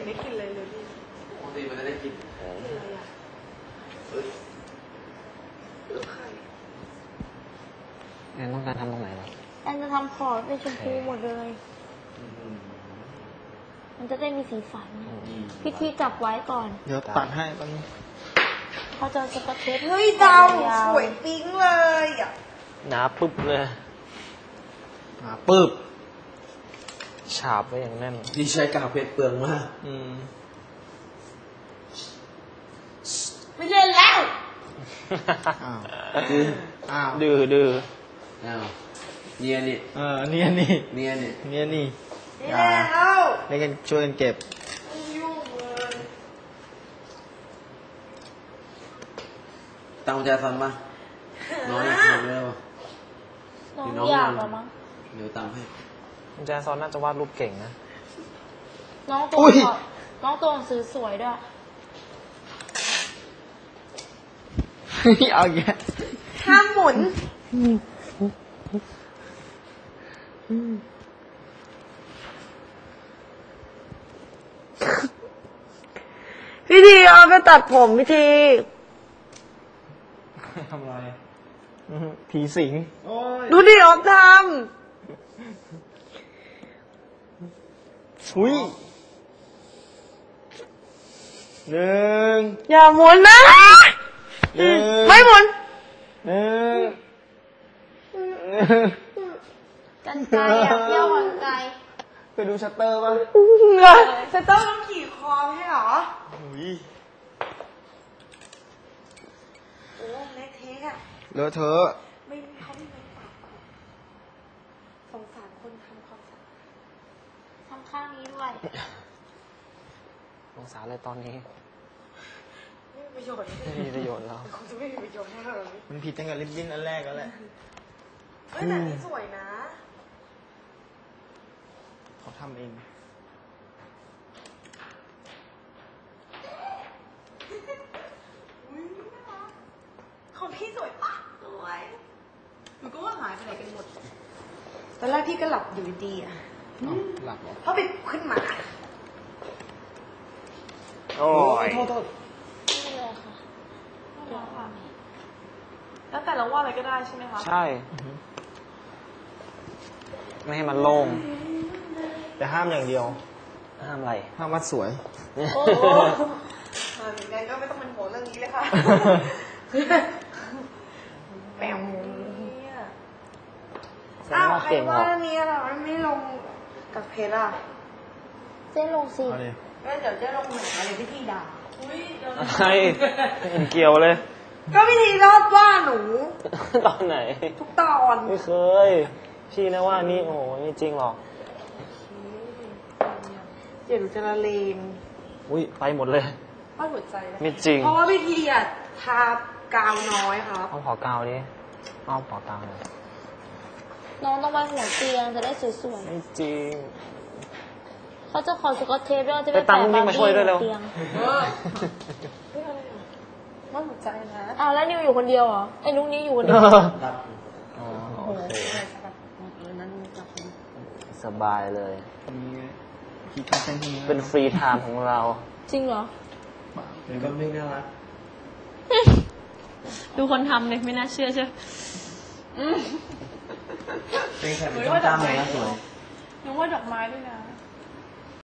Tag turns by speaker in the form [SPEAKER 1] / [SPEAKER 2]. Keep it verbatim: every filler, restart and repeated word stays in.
[SPEAKER 1] นได้กินเลยเลยพี่
[SPEAKER 2] ปกติมันจะได้กินอะไรอ่ะเฮ้ย
[SPEAKER 3] แอนต้องการทำตรงไหนวะ
[SPEAKER 4] แอนจะทำพอร์ตเป็นชมพูหมดเลยมันจะได้มีสีสันพี่ทีจับไว้ก่อน
[SPEAKER 5] เดี๋ยวตัดให้ตอนนี้
[SPEAKER 4] เขาจะสกัดเทป
[SPEAKER 1] เฮ้ยดาวสวยปิ๊งเลยอ่ะ
[SPEAKER 3] หนาปึ๊บเลย
[SPEAKER 5] หนาปึ๊บ
[SPEAKER 3] ฉาบไว้อย่างแน่น
[SPEAKER 2] ที่ใช้กาวเพชรเปลืองมาก
[SPEAKER 5] อืม
[SPEAKER 1] ไม่เล่นแล้ว
[SPEAKER 5] อ้าว
[SPEAKER 3] อ้าวดื้อดื้อ
[SPEAKER 2] อ้าวเนียนี่
[SPEAKER 5] เออเนียนี่
[SPEAKER 2] เนียนี่
[SPEAKER 5] เนียนี่
[SPEAKER 1] ไม่เล่นแล้ว
[SPEAKER 5] เล่นกันช่วยกันเก็บ
[SPEAKER 1] ยุ่งเลย
[SPEAKER 2] ตั้งใจฟังป่ะน้อยน้อยเร็ว
[SPEAKER 4] น้องอยากหรอมั้ง
[SPEAKER 2] เดี๋ยวตามให้
[SPEAKER 3] คุณแจซอนน่าจะวาดรูปเก่งนะ
[SPEAKER 4] น้องตัวน้องตัวหนังสือสวยด้วย
[SPEAKER 5] เอาแย่
[SPEAKER 1] ห้ามหมุนพี่ทีเอาไปตัดผมพี่ที
[SPEAKER 5] ทำไรผีสิง
[SPEAKER 1] ดูดิออฟทำ
[SPEAKER 5] อุ้ยหนึ่ง
[SPEAKER 1] อย่าหมุนนะไม่หมุน
[SPEAKER 5] หนึ่ง
[SPEAKER 4] กันไกลอยากเที่ยวกันไกล
[SPEAKER 5] ไปดูชัตเตอร์ป่ะ
[SPEAKER 1] ชัตเตอร์ต้องขี่คอใช่หรอ
[SPEAKER 5] อุ้ย
[SPEAKER 1] โอ้เล็กเทคอะ
[SPEAKER 5] เลอะเทอะ
[SPEAKER 1] ไม่เขาไม่ไม่ปากสงสารคนทำความสะอาด
[SPEAKER 4] ทำข้างนี้ด้วย
[SPEAKER 3] สงสารเลยตอนนี้
[SPEAKER 1] ไม่มีประโยชน์
[SPEAKER 3] ไม่มีประโยชน์แล้ว
[SPEAKER 1] คงจะไม่มีประโยชน์แน่เลย
[SPEAKER 5] มันผิดตั้งแต่ริบบิ้นอันแรกแล้วแหละ
[SPEAKER 1] เฮ้ยแต่นี่สวยนะ
[SPEAKER 5] เขาทำเอง
[SPEAKER 1] ของพี่สวยปะสวยหนูก็ว่าหายไปไหนกันหมดตอนแรกพี่ก็หลับอยู่ดีอ่ะ
[SPEAKER 5] หลับเหรอ
[SPEAKER 1] เพราะไปขึ้นมา
[SPEAKER 3] โอ้ย
[SPEAKER 5] โทษโทษ
[SPEAKER 4] นี่เลยค่ะเดี๋ยวค่ะ
[SPEAKER 1] แล้วแต่เราว่าอะไรก็ได้ใช่ไหมคะ
[SPEAKER 3] ใช่ไม่ให้มันโล่ง
[SPEAKER 5] แต่ห้ามอย่างเดียว
[SPEAKER 3] ห้ามอะไร
[SPEAKER 5] ห้ามวัดสวย
[SPEAKER 1] โอ้อย่างนั้นก็ไม่ต้องเป็นหัวเรื่องนี้เลยค่ะแปมอ้าวใครว่านี้ล่ะมันไม่ลงกับเพชรอ่ะ
[SPEAKER 4] เจ๊ลงสิ
[SPEAKER 1] งั้นเดี๋ยวเจ๊ลงหนังอะไรพี่ทีด่า
[SPEAKER 3] อะไรไม่เห็นเกี่ยวเลย
[SPEAKER 1] ก็พี่ทีรอบว่าหนู
[SPEAKER 3] ตอนไหน
[SPEAKER 1] ทุกตอน
[SPEAKER 3] ไม่เคยพี่นะว่านี่โอ้ไม่จริงหรอก
[SPEAKER 1] เดี๋ยวหนูจะละเลง
[SPEAKER 3] อุ้ยไปหมดเลย
[SPEAKER 1] ป้าหัวใจ
[SPEAKER 3] ไม่จริง
[SPEAKER 1] เพราะว่าพี่ทีอ่ะทากาวน้อยครับ
[SPEAKER 3] เอาขอกาวดิเอาขอกาวเลย
[SPEAKER 4] น้องต้องมาหัวเตียงจะได้สวย
[SPEAKER 3] ๆไม่จริง
[SPEAKER 4] เขาจะขอสกอตเทปด้วยจะไป
[SPEAKER 3] แปะบาร์บี้มาช่วยด้วยเร็ว
[SPEAKER 1] ป้าหัวใจนะ
[SPEAKER 4] อ้าวแล้วนิวอยู่คนเดียวเหรอไอ้นุ๊กนี้อยู่คนเดียว
[SPEAKER 3] อ๋อโอเคสบายเลยเป็นฟรีไทม์ของเรา
[SPEAKER 4] จริงเหรอ
[SPEAKER 2] มันก็ไม่น่ารัก
[SPEAKER 4] ดูคนทำเลยไม่น่าเชื่อใช่
[SPEAKER 2] เป็นแค่เป็นต้นตามเลยนะสวย
[SPEAKER 1] นึกว่าดอกไม้ด้วยนะ